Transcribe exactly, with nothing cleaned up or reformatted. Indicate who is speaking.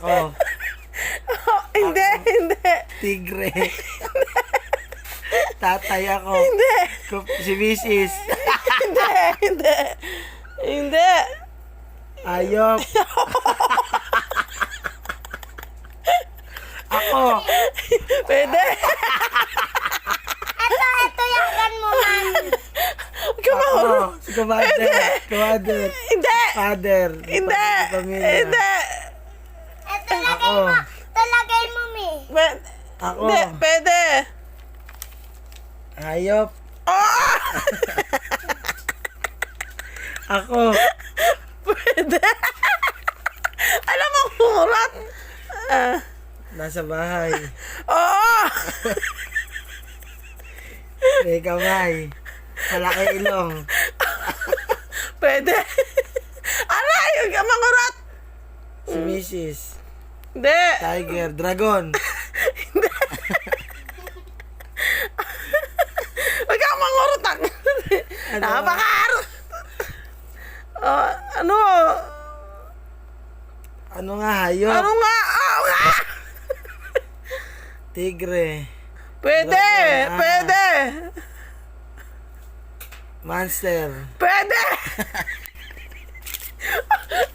Speaker 1: Ako.
Speaker 2: Oh, hindi, hindi.
Speaker 1: Tigre. Tatay ako.
Speaker 2: Hindi.
Speaker 1: Kup- Si Missus
Speaker 2: Hindi, hindi. Hindi.
Speaker 1: Ayop. Ako.
Speaker 2: Pwede.
Speaker 3: Ito, ito, yakan mo man.
Speaker 2: Huwag ka
Speaker 1: Ako.
Speaker 2: mahulog.
Speaker 1: Si Commander. Commander.
Speaker 2: Hindi.
Speaker 1: Father.
Speaker 2: Hindi.
Speaker 1: Pamilya.
Speaker 2: Hindi.
Speaker 3: Ito, lagay
Speaker 1: Ako.
Speaker 3: mo. Ito, lagay mo, mi.
Speaker 2: Pwede.
Speaker 1: Ako.
Speaker 2: Hindi, pwede.
Speaker 1: Ayop.
Speaker 2: Oh!
Speaker 1: Ako.
Speaker 2: Pwede. Alam mo, murat. Ah.
Speaker 1: Nasa bahay.
Speaker 2: Oo.
Speaker 1: May kamay. Malaki ilong.
Speaker 2: Pwede. Aray, huwag ka mangurat.
Speaker 1: Si Missus
Speaker 2: Hindi.
Speaker 1: Tiger. Dragon.
Speaker 2: Huwag ka mangurot.
Speaker 1: Ano?
Speaker 2: Napakaro. Oh, ano?
Speaker 1: Ano nga? Hayop.
Speaker 2: Ano nga? Oh, nga.
Speaker 1: Tigre.
Speaker 2: Pwede.
Speaker 1: Dragon, ah.
Speaker 2: Pwede.
Speaker 1: Monster.
Speaker 2: Pwede.